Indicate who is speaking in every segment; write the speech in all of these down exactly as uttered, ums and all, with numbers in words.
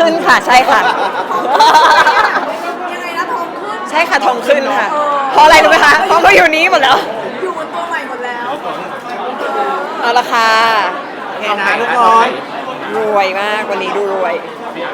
Speaker 1: ขึ้นค่ะใช่ค่ะ
Speaker 2: ยังไงนะทองขึ้น
Speaker 1: ใช่ค่ะทองขึ้นค่ะเพราะอะไรรู้ไหมคะเพราะเขาอยู่นี้หมดแล้ว
Speaker 2: อยู่บนตัวใหม่หมดแล้ว
Speaker 1: เอาละค่ะ
Speaker 3: โอเคนะทุกคน
Speaker 1: รวยมากวันนี้ดูรวย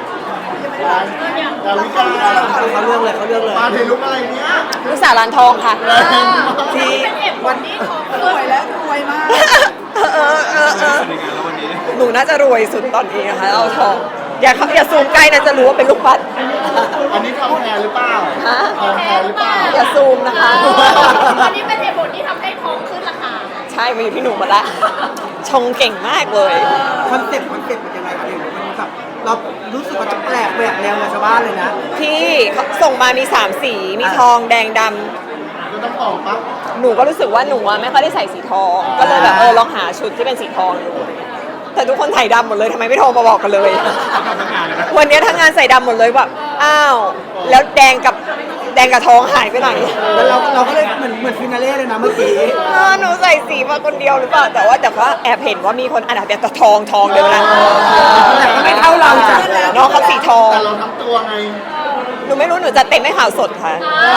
Speaker 3: ดาวิกาเขาเรื่องเลยเขาเรื่องเลยมาเทลุกอะไรเนี้ย
Speaker 1: ลูกสาวร้านทองค่ะที่
Speaker 2: วันนี้ทองรวยแล้วรวยมาก
Speaker 1: เออเออเออเออหนูน่าจะรวยสุดตอนนี้นะคะเอาทองอย่าอย่าซูมใกล้นะจะรู้ว่าเป็นลูกปัด
Speaker 3: อันนี้ทองแท้หรือเปล่า
Speaker 1: ฮะ
Speaker 3: ทองแท้หรือเปล่า
Speaker 1: อย่าซูมนะคะ
Speaker 2: อันนี้เป็นเหตุผลที่ทำให้ทองขึ้นราคา
Speaker 1: ใช่มาอยู่ที่หนูหมดละชงเก่งมากเลย
Speaker 3: คอนเซ็ปต์คอนเซ็ปต์เป็นยังไงคะเนี่ยมันแบบเรารู้สึกว่าจะแปลกแหวกแนวกับชาวบ้านเลยนะ
Speaker 1: พี่เขาส่งมามีสามสีมีทองแดงดำ
Speaker 3: ก็ต้องออกปั๊บ
Speaker 1: หนูก็รู้สึกว่าหนูไม่ค่อยได้ใส่สีทองก็เลยแบบเออลองหาชุดที่เป็นสีทองดูแต่ทุกคนใส่ดำหมดเลยทำไมไม่โทรมาบอกกันเลยวันนี้ทั้งงานใส่ดำหมดเลยแบบอ้าวแล้วแดงกับแดงกับทองหายไปไหน
Speaker 3: แล้วเราเราก็เลยเหมือนเหมือนฟินาเล่เลยนะเมื่อกี้
Speaker 1: หนูใส่สีมาคนเดียวหรือเปล่าแต่ว่าแต่ว่าแอบเห็นว่ามีคนอ่านแต่ทองทองเดียวนะ
Speaker 3: แต่ก็ไม่เท่าเราจ้ะ
Speaker 1: น้องเขาสีทอง
Speaker 3: แต่เราทำตัวไง
Speaker 1: หนูไม่รู้หนูจะเต็มไม่ข่าวสดค่ะ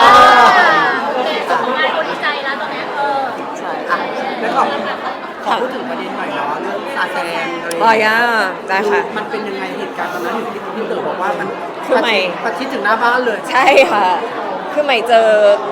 Speaker 2: คนดีใจแล้วตอนนี้เออ
Speaker 1: ใช่
Speaker 3: แล้วก็ขอพูดถึงประเด็นหน่อยเนาะเรื่องซาแซงอะไร
Speaker 1: อ๋อย่าได้ค่ะ
Speaker 3: มันเป็นยังไงเหตุการณ์ตอนนั้นที่พี่เต๋อบอกว่ามัน
Speaker 1: คือใหม่
Speaker 3: ประชิดถึงหน้าบ้านเลย
Speaker 1: ใช่ค่ะคือใหม่เจอ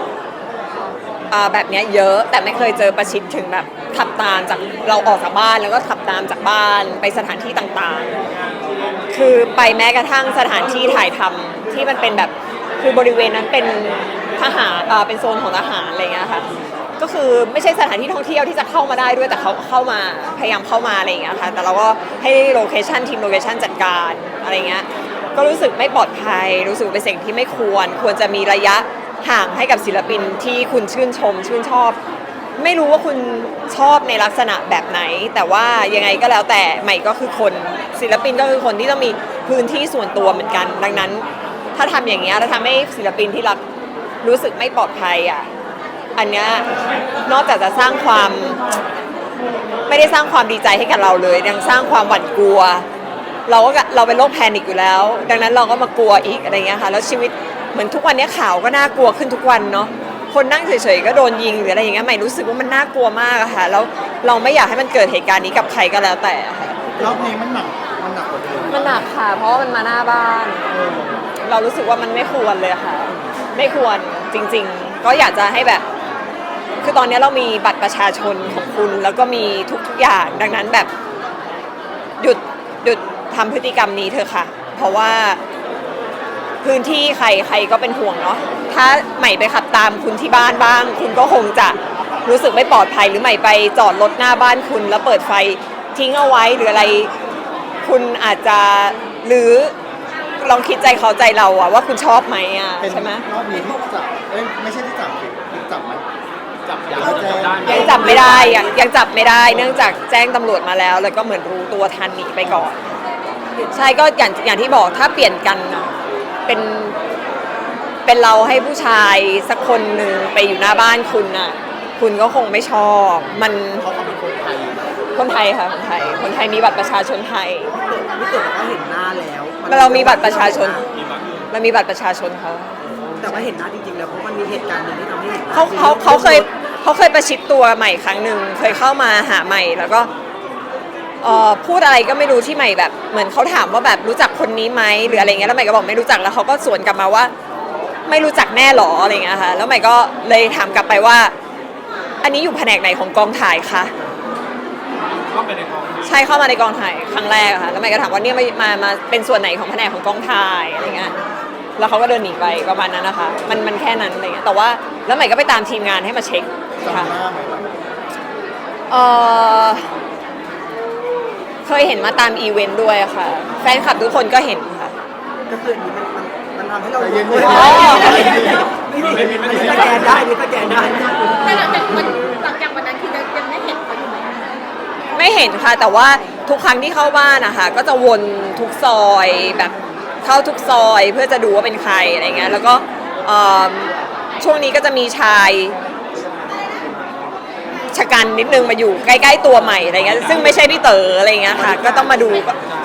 Speaker 1: แบบนี้เยอะแต่ไม่เคยเจอประชิดถึงแบบขับตามจากเราออกจากบ้านแล้วก็ขับตามจากบ้านไปสถานที่ต่างๆคือไปแม้กระทั่งสถานที่ถ่ายทำที่มันเป็นแบบคือบริเวณนั้นเป็นทหารเป็นโซนของทหารอะไรเงี้ยค่ะก็คือไม่ใช่สถานที่ท่องเที่ยวที่จะเข้ามาได้ด้วยแต่เขาเข้ามาพยายามเข้ามาอะไรอย่างเงี้ยค่ะแต่เราก็ให้โลเคชั่นทีมโลเคชั่นจัดการอะไรเงี้ยก็รู้สึกไม่ปลอดภัยรู้สึกเป็นสิ่งที่ไม่ควรควรจะมีระยะห่างให้กับศิลปินที่คุณชื่นชมชื่นชอบไม่รู้ว่าคุณชอบในลักษณะแบบไหนแต่ว่ายังไงก็แล้วแต่ใหม่ก็คือคนศิลปินก็คือคนที่ต้องมีพื้นที่ส่วนตัวเหมือนกันดังนั้นถ้าทำอย่างเงี้ยแล้วทำให้ศิลปินที่รักรู้สึกไม่ปลอดภัยอ่ะอันเนี้ยนอกจากจะสร้างความไม่ได้สร้างความดีใจให้กับเราเลยยังสร้างความหวาดกลัวเราก็เราเป็นโรคแพนิคอยู่แล้วดังนั้นเราก็มากลัวอีกอะไรเงี้ยค่ะแล้วชีวิตเหมือนทุกวันนี้ข่าวก็น่ากลัวขึ้นทุกวันเนาะคนนั่งเฉยๆก็โดนยิงหรืออะไรอย่างเงี้ยใหม่รู้สึกว่ามันน่ากลัวมากอะค่ะแล้วเราไม่อยากให้มันเกิดเหตุการณ์นี้กับใครก็แล้วแต่ค่ะ
Speaker 3: รอบนี้มันหนักมันหนักกว่าเดิม
Speaker 1: มันหนักค่ะเพราะว่ามันมาหน้าบ้านเรารู้สึกว่ามันไม่ควรเลยค่ะไม่ควรจริงๆก็อยากจะให้แบบคือตอนนี้เรามีบัตรประชาชนของคุณแล้วก็มีทุกๆอย่างดังนั้นแบบหยุดหยุดทำพฤติกรรมนี้เถอะค่ะเพราะว่าพื้นที่ใครใครก็เป็นห่วงเนาะถ้าใหม่ไปขับตามคุณที่บ้านบ้างคุณก็คงจะรู้สึกไม่ปลอดภัยหรือใหม่ไปจอดรถหน้าบ้านคุณแล้วเปิดไฟทิ้งเอาไว้หรืออะไรคุณอาจจะหรือลองคิดใจเขาใจเราอะว่าคุณชอบไหมอะใช่ไหม
Speaker 3: รอบนี้ที่จับเอ้ยไม่ใช่ที่จับจับไหมจับ
Speaker 1: ยังจับไม่ได้ยังยังจับไม่ได้เนื่องจากแจ้งตำรวจมาแล้วแล้วก็เหมือนรู้ตัวทันหนีไปก่อนใช่ก็อย่างอย่างที่บอกถ้าเปลี่ยนกันเป็นเป็นเราให้ผู้ชายสักคนหนึ่งไปอยู่หน้าบ้านคุณน่ะคุณก็คงไม่ชอบมัน
Speaker 3: เขาเป็นคนไทย
Speaker 1: คนไทยค่ะคนไทยคนไทยมีบัตรประชาชนไทย
Speaker 3: พี่เต๋อก็เห็นหน้าแล้ว
Speaker 1: เรามีบัตรประชาชนเรามีบัตรประชาชนเขา
Speaker 3: แต่ว่าเห็นหน้าจริงๆแล้วเพราะมันมีเหตุการณ์หนึ่งที่ทำให้เห็น
Speaker 1: เขาเขาเขาเคยเขาเคยประชิดตัวใหม่ครั้งหนึ่งเคยเข้ามาหาใหม่แล้วก็เอ่อพูดอะไรก็ไม่รู้ที่ใหม่แบบเหมือนเขาถามว่าแบบรู้จักคนนี้ไหมหรืออะไรเงี้ยแล้วใหม่ก็บอกไม่รู้จักแล้วเขาก็สวนกลับมาว่าไม่รู้จักแน่หรออะไรเงี้ยค่ะแล้วใหม่ก็เลยถามกลับไปว่าอันนี้อยู่แผนกไหนของกองถ่ายคะใช่เข้ามาในกองถ่ายครั้งแรกค่ะแล้วใหม่ก็ถามว่าเนี่ยมามามาเป็นส่วนไหนของแผนกของกองถ่ายอะไรเงี้ยแล้วเขาก็เดินหนีไปประมาณนั้นนะคะมันมันแค่นั้นอะไรเงี้ยแต่ว่าแล้วใหม่ก็ไปตามทีมงานให้มาเช็คค่ะเออเคยเห็นมาตามอีเวนต์ด้วยค่ะแฟนคลับทุกคนก็เห็นค่ะ
Speaker 3: ก็คือนี้มันมันทำให้เราเย็นๆไม่มีไม่มีสแกนได้มีสแกนได้
Speaker 2: แต่หลังจากมันหลังจากวันนั้นคือยังไม่เห็นเขาอยู่ไหม
Speaker 1: ไม่เห็นค่ะแต่ว่าทุกครั้งที่เข้าบ้านนะคะก็จะวนทุกซอยแบบเข้าทุกซอยเพื่อจะดูว่าเป็นใครอะไรเงี้ยแล้วก็ช่วงนี้ก็จะมีชายชะกันนิดนึงมาอยู่ใกล้ๆตัวใหม่อะไรเงี้ยซึ่งไม่ใช่พี่เต๋ออะไรเงี้ยค่ะก็ต้องมาดูคือ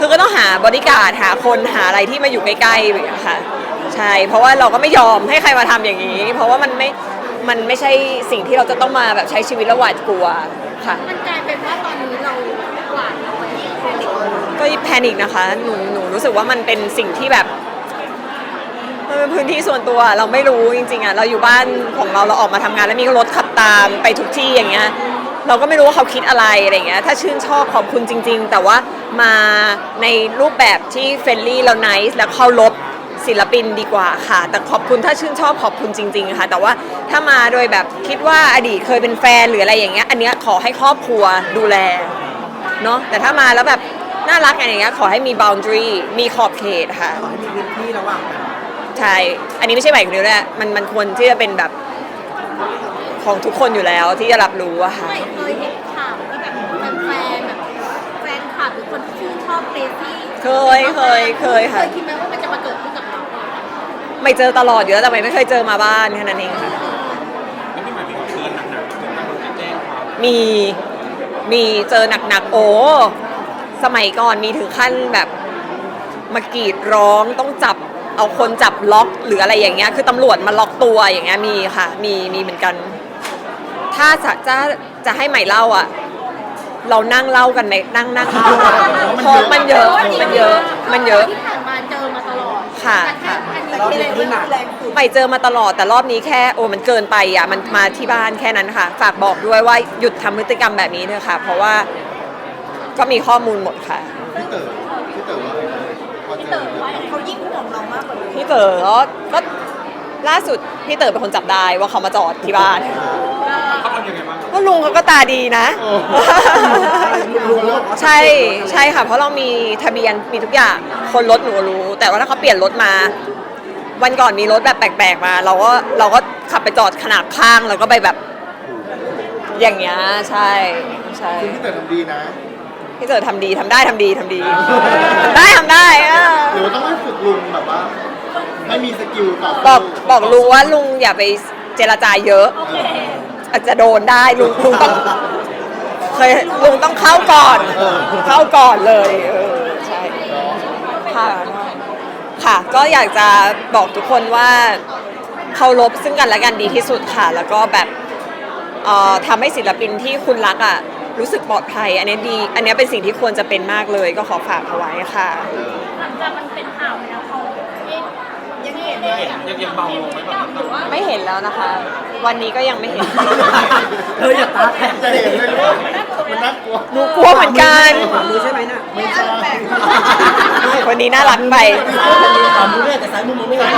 Speaker 1: คือก็ต้องหาบริการดหาคนหาอะไรที่มาอยู่ใกล้ๆอย่างเงี้ยค่ะใช่เพราะว่าเราก็ไม่ยอมให้ใครมาทำอย่างนี้ เพราะว่ามันไม่มันไม่ใช่สิ่งที่เราจะต้องมาแบบใช้ชีวิตแล้วหวาดกลัวค่ะ
Speaker 2: มันกลายเป็นว่าตอนนี้เราหวาดระแวงแพนิค
Speaker 1: ก็แพนิคนะคะหนูหนูรู้สึกว่ามันเป็นสิ่งที่แบบมันเป็นพื้นที่ส่วนตัวเราไม่รู้จริงๆอ่ะเราอยู่บ้านของเราเราออกมาทำงานแล้วมีรถขับตามไปทุกที่อย่างเงี้ยเราก็ไม่รู้ว่าเขาคิดอะไรอะไรเงี้ยถ้าชื่นชอบขอบคุณจริงๆแต่ว่ามาในรูปแบบที่เฟรนลี่แล้วไนซ์แล้วเคารพศิลปินดีกว่าค่ะแต่ขอบคุณถ้าชื่นชอบขอบคุณจริงๆค่ะแต่ว่าถ้ามาโดยแบบคิดว่าอดีตเคยเป็นแฟนหรืออะไรอย่างเงี้ยอันเนี้ยขอให้ครอบครัวดูแลเนาะแต่ถ้ามาแล้วแบบน่ารักอะไรอย่างเงี้ยขอให้มี boundary มีขอบเขตค่ะ
Speaker 3: ขอให้มีพื้นที่ระหว่างกัน
Speaker 1: ใช่ อันนี้ไม่ใช่ใหม่คนเดียวด้วยมันมันควรที่จะเป็นแบบของทุกคนอยู่แล้วที่จะรับรู้อะค่ะ
Speaker 2: ไม่เคยเห็นข่าวที่แบบแฟนๆแบบแฟนคลับหรือคนที่ชื่นชอบเกรซี่
Speaker 1: เคยเคยเคยค่ะ
Speaker 2: เคยคิดไหมว่ามันจะมาเกิดขึ้นกับเรา
Speaker 1: ไม่เจอตลอดอยู่แล้วแต่ไม่เคยเจอมาบ้านแค่นั้นเองค่ะ
Speaker 4: แล้วพี่หมายมีเชิญหนักๆถึงมันจะแจ้งความ
Speaker 1: มี มีเจอหนักๆ โอ้ สมัยก่อนมีถึงขั้นแบบมากรีดร้องต้องจับเอาคนจับล็อกหรืออะไรอย่างเงี้ย คือตำรวจมาล็อกตัวอย่างเงี้ยมีค่ะ มีมีเหมือนกัน ถ้าจะจะจะให้ใหม่เล่าอ่ะ เรานั่งเล่ากันในนั่งนั่งเพราะมันเยอะ มันเยอะ มันเยอะ
Speaker 2: ที่ผ่านมาเจอมาตลอด
Speaker 1: ค่ะ
Speaker 2: แต่แค่อันนี้
Speaker 3: รอบ
Speaker 2: ที่
Speaker 3: นี้ที่หนัก
Speaker 2: แรงสุด
Speaker 1: ใหม่เจอมาตลอดแต่รอบนี้แค่โอ้มันเกินไปอ่ะมันมาที่บ้านแค่นั้นค่ะ ฝากบอกด้วยว่าหยุดทำพฤติกรรมแบบนี้เถอะค่ะ เพราะว่าก็มีข้อมูลหมดค่ะ
Speaker 5: พี่เต๋อพี่เต๋อว่าพอเจอ
Speaker 2: เขายิ่งห่วงเรามากกว่าเดิม
Speaker 1: พี่เต๋อก็ก็ล่าสุดพี่เต๋อเป็นคนจับได้ว่าเขามาจอดที่บ้าน
Speaker 4: เขาทำยังไงบ้าง
Speaker 1: ก็ลุงเขาก็ตาดีนะ
Speaker 3: ลุงบอกว่า
Speaker 1: ใช่ใช่ค่ะ เพราะเรามีทะเบียนมีทุกอย่างคนรถหนูรู้ แต่ว่าถ้าเขาเปลี่ยนรถมา วันก่อนมีรถแบบแปลกๆมา เราก็เราก็ขับไปจอดขนาบข้างแล้วก็ไปแบบ อย่างเงี้ยใช่ใช่
Speaker 5: คือพี่เต๋อทำดีนะ
Speaker 1: พี่เต๋อทำดีทำได้ทำดีทำดีทำได้ทำได้อะ
Speaker 5: หรือว่าต้องให้ฝึกลุงแบบว่าให้มีสกิลต่อ
Speaker 1: บอก
Speaker 5: สู้
Speaker 1: บอกลุงว่าลุงอย่าไปเจรจาเยอะ อาจจะโดนได้ลุงลุงต้องเคยลุงต้องเข้าก่อน เข้าก่อนเลยเออใช่ค่ะค่ะ ก็อยากจะบอกทุกคนว่าเคารพซึ่งกันและกันดีที่สุดค่ะ แล้วก็แบบเอ่อทำให้ศิลปินที่คุณรักอ่ะรู้สึกปลอดภัย อันนี้ดี อันนี้เป็นสิ่งที่ควรจะเป็นมากเลย ก็ขอฝากเอาไว้ค่ะ
Speaker 2: หลังจากมันเป็นข่าวไปแล้วเขายังเห็นเลย
Speaker 4: ยังยังเบาลงไหมแบบนั้น
Speaker 2: หรือว่า
Speaker 1: ไม่เห็นแล้วนะคะ วันนี้ก็ยังไม่เห็น
Speaker 3: เธออย่าตาแข็ง
Speaker 5: จะเห็นเลยว่ามันน่ากลัว
Speaker 1: หนูกลัวเหมือนกัน
Speaker 3: ขวามือใช่ไหมน่ะ
Speaker 5: ไม่ใช่
Speaker 1: วันนี้น่ารักไป
Speaker 3: ขวามือเนี่ยแต่ซ้ายมือมองไม่เห็น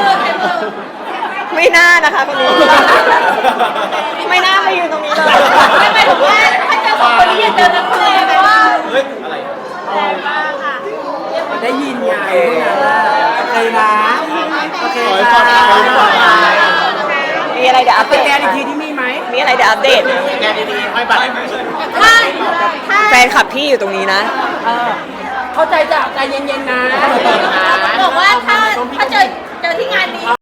Speaker 1: ไม่น่านะคะคนนี้ ไม่น่ามายืนตรงนี้เลย
Speaker 2: ไม่หมายถึงว่าถ้าเจอสองคนนี้อย่าเจอกันเลยเพราะว่า
Speaker 4: เฮ้ย อะไร
Speaker 3: ได้ยินไงพวกนั้นน่ะโอเคนะโอเค
Speaker 5: ขอให้
Speaker 3: ค่ะ
Speaker 5: ปลอดภัยขอให้ปลอดภัย
Speaker 1: มีอะไรเดี๋ยวอัป
Speaker 3: ส
Speaker 1: เดต
Speaker 3: แกนอีกทีที่มีไหม
Speaker 1: มีอะไรเดี๋ยวอัปเดต
Speaker 5: แกดีๆให้บัตร
Speaker 2: ถ้าถ้า
Speaker 1: แฟนคลับพี่อยู่ตรงนี้นะ
Speaker 3: เออเข้าใจจ้ะใจเย็นๆนะ
Speaker 2: บอกว่าถ้าถ้าเจอเจอที่งานนี้